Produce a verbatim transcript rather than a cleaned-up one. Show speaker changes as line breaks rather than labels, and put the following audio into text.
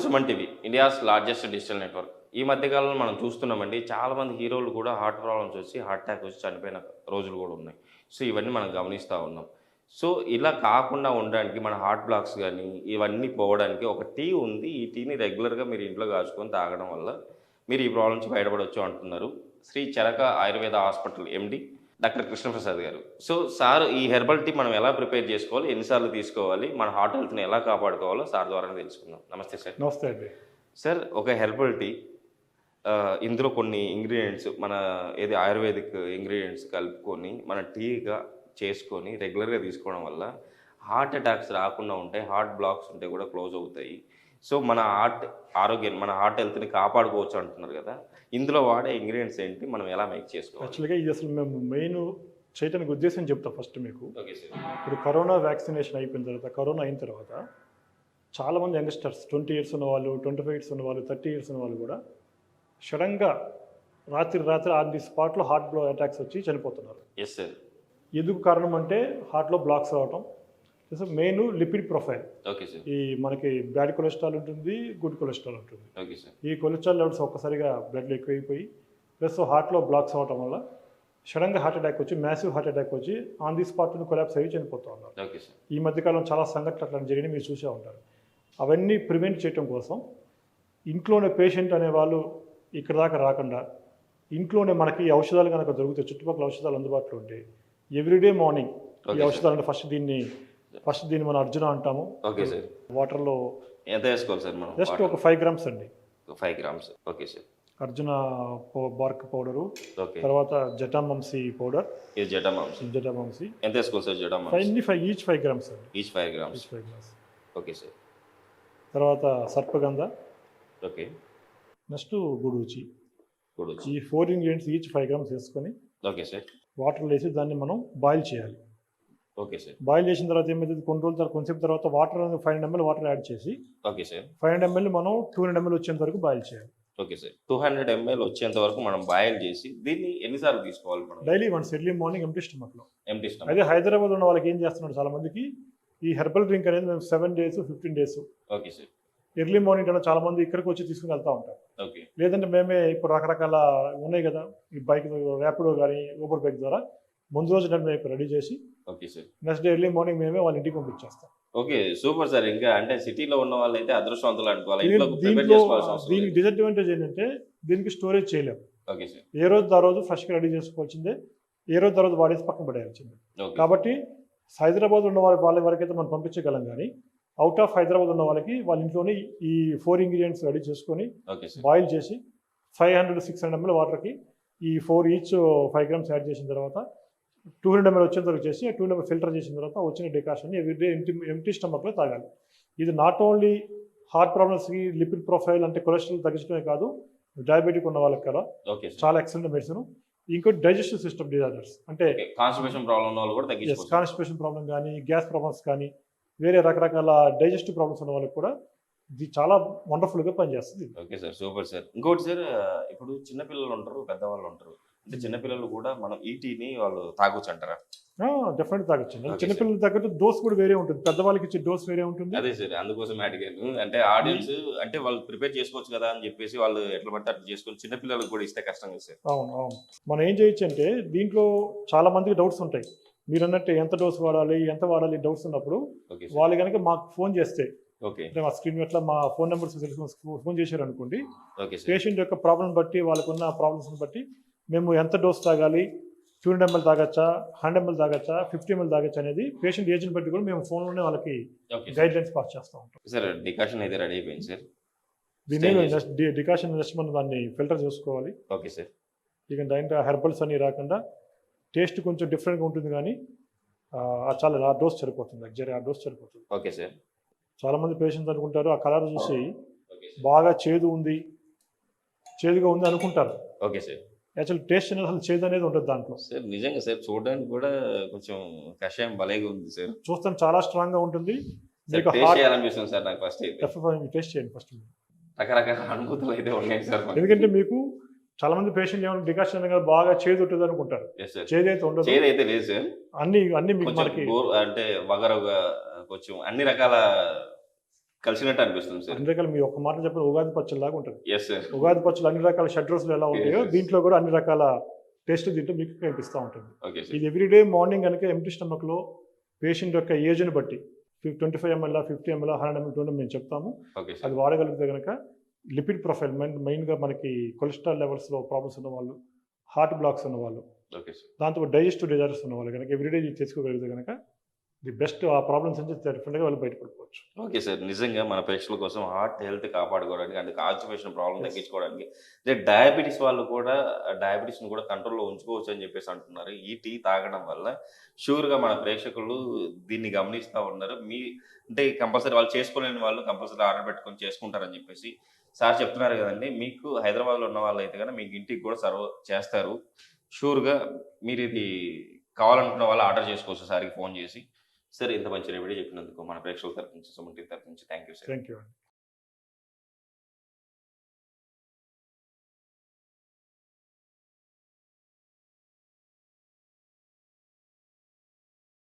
Suman TV India's largest digital network. ఈ మధ్యకాలంలో మనం చూస్తున్నామండి, చాలామంది హీరోలు కూడా హార్ట్ ప్రాబ్లమ్స్ వచ్చి హార్ట్ అటాక్ వచ్చి చనిపోయిన రోజులు కూడా ఉన్నాయి. సో ఇవన్నీ మనం గమనిస్తూ ఉన్నాం. సో ఇలా కాకుండా ఉండడానికి మన హార్ట్ బ్లాక్స్ కానీ ఇవన్నీ పోవడానికి ఒక టీ ఉంది. ఈ టీని రెగ్యులర్గా మీరు ఇంట్లో కాచుకొని తాగడం వల్ల మీరు ఈ ప్రాబ్లం నుంచి బయటపడవచ్చు అంటున్నారు Shri Charaka Ayurveda hospital MD doctor Krishnaprasad garu. So sir, ఈ హెర్బల్ టీ మనం ఎలా ప్రిపేర్ చేసుకోవాలి, ఎన్నిసార్లు తీసుకోవాలి, మన హార్ట్ హెల్త్ని ఎలా కాపాడుకోవాలో సార్ ద్వారా తెలుసుకుందాం. నమస్తే సార్.
నమస్తే అండి
సార్, ఒక హెర్బల్ టీ ఇందులో కొన్ని ఇంగ్రీడియంట్స్ మన ఏది ఆయుర్వేదిక్ ఇంగ్రీడియంట్స్ కలుపుకొని మన టీగా చేసుకొని రెగ్యులర్గా తీసుకోవడం వల్ల హార్ట్ అటాక్స్ రాకుండా ఉంటాయి, హార్ట్ బ్లాక్స్ ఉంటే కూడా క్లోజ్ అవుతాయి. సో మన హార్ట్ ఆరోగ్యాన్ని, మన హార్ట్ హెల్త్ని కాపాడుకోవచ్చు అంటున్నారు కదా, ఇందులో వాడే ఇంగ్రీడియంట్స్ ఏంటి, మనం ఎలా మేక్ చేసుకోవాలి?
యాక్చువల్గా ఇది అసలు మేము మెయిన్ చేయడానికి ఉద్దేశం చెప్తాం ఫస్ట్ మీకు.
Okay sir.
ఇప్పుడు కరోనా వ్యాక్సినేషన్ అయిపోయిన తర్వాత, కరోనా అయిన తర్వాత చాలామంది యంగ్స్టర్స్, ట్వంటీ ఇయర్స్ ఉన్న వాళ్ళు, ట్వంటీ ఫైవ్ ఇయర్స్ ఉన్న వాళ్ళు, థర్టీ ఇయర్స్ ఉన్న వాళ్ళు కూడా సడన్గా రాత్రి రాత్రి ఆన్ ది స్పాట్లో హార్ట్ బ్లో అటాక్స్ వచ్చి చనిపోతున్నారు.
Yes sir.
ఎందుకు కారణం అంటే హార్ట్లో బ్లాక్స్ అవ్వటం, main lipid profile.
Okay sir.
ఈ మనకి బ్యాడ్ కొలెస్ట్రాల్ ఉంటుంది, గుడ్ కొలెస్ట్రాల్ ఉంటుంది.
Okay sir. ఈ
కొలెస్ట్రాల్ లెవెల్స్ ఒక్కసారిగా బ్లడ్లో ఎక్కువైపోయి ప్లస్ హార్ట్లో బ్లాక్స్ అవ్వటం వల్ల సడన్గా హార్ట్ అటాక్ వచ్చి, మ్యాసివ్ హార్ట్ అటాక్ వచ్చి ఆన్ ది స్పాట్ని కొలాప్స్ అయ్యి చనిపోతూ ఉన్నారు.
Okay sir.
ఈ మధ్యకాలం చాలా సంఘటనలు అట్లా జరిగినాయి, మీరు చూసే ఉంటారు. అవన్నీ ప్రివెంట్ చేయడం కోసం ఇంట్లోనే పేషెంట్ అనేవాళ్ళు ఇక్కడ దాకా రాకుండా ఇంట్లోనే మనకి ఈ ఔషధాలు కనుక దొరుకుతాయి, చుట్టుపక్కల ఔషధాలు అందుబాటులో ఉంటాయి. ఎవ్రీడే మార్నింగ్ ఈ ఔషధాలు అంటే ఫస్ట్ దీన్ని ఫస్ట్ దీన్ని మనం అర్జున అంటాము.
Okay sir.
వాటర్లో
ఎంత వేసుకోవాలి సార్ మనం?
జస్ట్ ఒక ఫైవ్ గ్రామ్స్ అండి.
Five grams. Okay sir.
అర్జున బార్క్ పౌడరు,
ఓకే.
తర్వాత జటామాంసి పౌడర్.
ఇది జటామాంసి.
జటామాంసి
ఎంత వేసుకోవాలి సార్? జటామాంసి
five five each five grams అండి.
Each five grams.
Each five grams.
Okay sir.
తర్వాత సర్పగంధ.
ఓకే.
నెక్స్ట్ గుడూచి.
గుడూచి.
ఈ four ingredients each five grams వేసుకొని
ఓకే సార్
వాటర్లో వేసి దాన్ని మనం బాయిల్ చేయాలి.
Okay sir.
బాయిల్ చేసిన తర్వాత ఏమైతుంది, కొన్ని రోజుల తర్వాత కొంచెం తర్వాత water five hundred ML water add చేసి
okay sir
five hundred ML మనం టూ హండ్రెడ్ ఎంఎల్ వచ్చేంత వరకు బాయిల్ చేయాలి.
Okay sir. Two hundred ML వచ్చేంత వరకు మనం బాయిల్ చేసి దీన్ని ఎన్నిసార్లు తీసుకోవాలి మనం?
Daily once, early morning empty స్టమక్లో.
Empty stomach.
అదే హైదరాబాద్ ఉన్న వాళ్ళకి ఏం చేస్తున్నాడు, చాలా మందికి ఈ హెర్బల్ డ్రింక్ అనేది మేము seven days fifteen days
okay sir
early morning కన్నా చాలా మంది ఇక్కడికి వచ్చి తీసుకుని వెళ్తూ ఉంటారు.
ఓకే.
లేదంటే మేమే ఇప్పుడు రకరకాల ఉన్నాయి కదా, ఈ బైక్ ర్యాపిడో కానీ ఊబర్ బైక్ ద్వారా ముందు రోజు మేము రెడీ చేసి
okay sir
next day early morning మేమే వాళ్ళ ఇంటికి పంపించేస్తాం.
Okay, super sir. ఇంకా అంటే సిటీలో ఉన్న వాళ్ళు అయితే అదృష్టవంతులు అనుకోవాలి.
దీంట్లో దీనికి డిసడ్వాంటేజ్ ఏంటంటే దీనికి స్టోరేజ్ చేయలేము.
Okay sir.
ఏ రోజు ఆ రోజు ఫ్రెష్గా రెడీ చేసుకోవాల్సిందే, ఏ రోజు ఆ రోజు వాడేసి పక్కన పడేయాల్సిందే. కాబట్టి హైదరాబాద్ ఉన్న వాళ్ళ వాళ్ళ వరకైతే మనం పంపించగలం, కానీ అవుట్ ఆఫ్ హైదరాబాద్ ఉన్న వాళ్ళకి వాళ్ళ ఇంట్లోనే ఈ ఫోర్ ఇంగ్రీడియంట్స్ రెడీ చేసుకొని బాయిల్ చేసి five hundred six hundred ML వాటర్కి ఈ four each five grams add చేసిన తర్వాత టూ హండ్రెడ్ ఎంఎల్ వచ్చేంత వరకు చేసి టూ హండ్రెడ్ ఫిల్టర్ చేసిన తర్వాత వచ్చిన డికాషన్ ఎవ్రీడే ఎంటీ ఎంటీ స్టమక్లో తాగాలి. ఇది నాట్ ఓన్లీ హార్ట్ ప్రాబ్లమ్స్కి, లిపిడ్ ప్రొఫైల్ అంటే కొలెస్ట్రాల్ తగ్గించడమే కాదు, డయాబెటిక్ ఉన్న వాళ్ళకి కదా చాలా ఎక్సలెంట్ మెడిసిన్. ఇంకోటి డైజెస్టివ్ సిస్టమ్ డిజార్డర్స్ అంటే
కాన్స్టిపేషన్ ప్రాబ్లం ఉన్న వాళ్ళు కూడా తగ్గించుకోవచ్చు.
కాన్స్టిపేషన్ ప్రాబ్లం కానీ, గ్యాస్ ప్రాబ్లమ్స్ కానీ, వేరే రకరకాల డైజెస్టివ్ ప్రాబ్లమ్స్ ఉన్న వాళ్ళకి కూడా ఇది చాలా వండర్ఫుల్గా పనిచేస్తుంది.
Okay sir, super sir. ఇంకోటి సార్, ఇప్పుడు చిన్నపిల్లలు ఉంటారు, పెద్దవాళ్ళు ఉంటారు. అంటే చిన్నపిల్లలు కూడా మనం ఈ టీని వాళ్ళు తాగొచ్చు అంటారా?
డెఫినెట్ తాగొచ్చు. చిన్నపిల్లల తగ్గట్టు డోస్ కూడా వేరే ఉంటుంది, పెద్దవాళ్ళకి ఇచ్చే డోస్ వేరే ఉంటుంది.
అదే సార్, అందుకోసం అడిగాను. అంటే ఆడియన్స్ అంటే వాళ్ళు ప్రిపేర్ చేసుకోవచ్చు కదా అని చెప్పేసి వాళ్ళు ఎట్లా పడితే అట్లా చేసుకొని చిన్నపిల్లలకు కూడా ఇస్తే కష్టం కదా సార్.
అవును అవును. మనం ఏం చేయొచ్చు అంటే దీంట్లో చాలా మందికి డౌట్స్ ఉంటాయి. మీరు అన్నట్టు ఎంత డోస్ వాడాలి, ఎంత వాడాలి డౌట్స్ ఉన్నప్పుడు వాళ్ళు కనుక మాకు ఫోన్ చేస్తే, అంటే మా స్క్రీన్ ఎట్లా మా ఫోన్ నెంబర్స్ తెలుసుకుని ఫోన్ చేశారు అనుకోండి, పేషెంట్ యొక్క ప్రాబ్లం బట్టి, వాళ్ళకున్న ప్రాబ్లమ్స్ని బట్టి మేము ఎంత డోస్ తాగాలి, టూ హండ్రెడ్ ఎంఎల్ తాగచ్చా, హండ్రెడ్ ఎంఎల్ తాగచ్చా, ఫిఫ్టీ ఎంఎల్ తాగచ్చా అనేది పేషెంట్ ఏజ్ని బట్టి కూడా మేము ఫోన్లోనే వాళ్ళకి గైడ్ లైన్స్ పాస్ చేస్తూ ఉంటాం.
సార్, డికాషన్ అయితే రెడీ అయిపోయింది సార్.
దీన్ని డికాషన్ నెక్స్ట్ మనం దాన్ని ఫిల్టర్ చేసుకోవాలి.
Okay sir.
ఇక దాంట్లో హెర్బల్స్ అన్ని రాకుండా టేస్ట్ కొంచెం డిఫరెంట్గా ఉంటుంది, కానీ చాలా ఆ డోస్ సరిపోతుంది, లగ్జరీ ఆ డోస్ సరిపోతుంది.
Okay sir.
చాలామంది పేషెంట్స్ అనుకుంటారు ఆ కలర్ చూసి బాగా చేదు ఉంది, చేదుగా ఉంది అనుకుంటారు.
Okay sir.
యాక్చువల్ టేస్ట్ అనేది అసలు చేదు అనేది ఉంటుంది దాంట్లో.
సార్ నిజంగా సార్, చూడడానికి కూడా కొంచెం కషాయం భలేగా ఉంది సార్.
చూస్తాం చాలా స్ట్రాంగ్గా ఉంటుంది.
చేయాలనిపిస్తుంది సార్ నాకు. ఫస్ట్
టేస్ట్ చేయండి ఫస్ట్.
రకరకాల అనుభూతులు అయితే ఉన్నాయి సార్.
ఎందుకంటే మీకు చాలా మంది పేషెంట్ ఏమైనా డికాషన్ అనేది బాగా చేదు ఉంటుంది అనుకుంటారు. చేదు అయితే ఉండదు.
చేదు అయితే లేదు సార్.
అన్ని అన్ని మీకు మనకి
అంటే వగరగా కొంచెం అన్ని రకాల కలిసినట్టు అనిపిస్తుంది సార్.
అన్ని రకాల మీ ఒక్క మాట చెప్పిన ఉగాది పచ్చడిలాగా ఉంటుంది.
Yes sir.
ఉగాది పచ్చళ్ళు అన్ని రకాల షడ్ రుచులు ఎలా ఉంటాయో
Yes.
దీంట్లో కూడా అన్ని రకాల టేస్ట్ దీంట్లో మీకు కనిపిస్తూ ఉంటుంది.
Okay sir.
ఇది ఎవ్రీడే మార్నింగ్ కనుక ఎంటీ స్టమక్లో పేషెంట్ యొక్క ఏజ్ని బట్టి twenty five ML fifty ML hundred ML two మేము చెప్తాము.
ఓకే
అది
సార్.
వాడగలిగితే కనుక లిపిడ్ ప్రొఫైల్ మెయిన్ మెయిన్గా మనకి కొలెస్ట్రాల్ లెవెల్స్లో ప్రాబ్లమ్స్ ఉన్న వాళ్ళు, హార్ట్ బ్లాక్స్ ఉన్న వాళ్ళు,
ఓకే సార్.
దాంతో డైజెస్టివ్ డిజార్డర్స్ ఉన్న వాళ్ళు కనుక ఎవ్రీడే ఇది తెచ్చుకోగలిగితే కనుక ది బెస్ట్ ఆ ప్రాబ్లమ్స్ నుంచి డెఫినెట్గా వాళ్ళు బయటపడిపోవచ్చు.
Okay sir. నిజంగా మన ప్రేక్షకుల కోసం హార్ట్ హెల్త్ కాపాడుకోవడానికి అంటే కాన్స్టిపేషన్ ప్రాబ్లం
Yes.
తగ్గించుకోవడానికి అంటే డయాబెటీస్ వాళ్ళు కూడా డయాబెటీస్ని కూడా కంట్రోల్లో ఉంచుకోవచ్చు అని చెప్పేసి అంటున్నారు. ఈ టీ తాగడం వల్ల షూర్గా మన ప్రేక్షకులు దీన్ని గమనిస్తూ ఉన్నారు. మీ అంటే కంపల్సరీ వాళ్ళు చేసుకోలేని వాళ్ళు కంపల్సరీ ఆర్డర్ పెట్టుకొని చేసుకుంటారని చెప్పేసి సార్ చెప్తున్నారు కదండి. మీకు హైదరాబాద్లో ఉన్న వాళ్ళు అయితే కనుక మీకు ఇంటికి కూడా సర్వ్ చేస్తారు. షూర్గా మీరు ఇది కావాలనుకున్న వాళ్ళు ఆర్డర్ చేసుకోవచ్చు సార్కి ఫోన్ చేసి. సార్ ఇంత మంచి రెమెడీ చెప్పినందుకు మన ప్రేక్షకుల తరఫు నుంచి, సుమన్ టీవీ తరఫు నుంచి thank you sir.
Thank you అండి.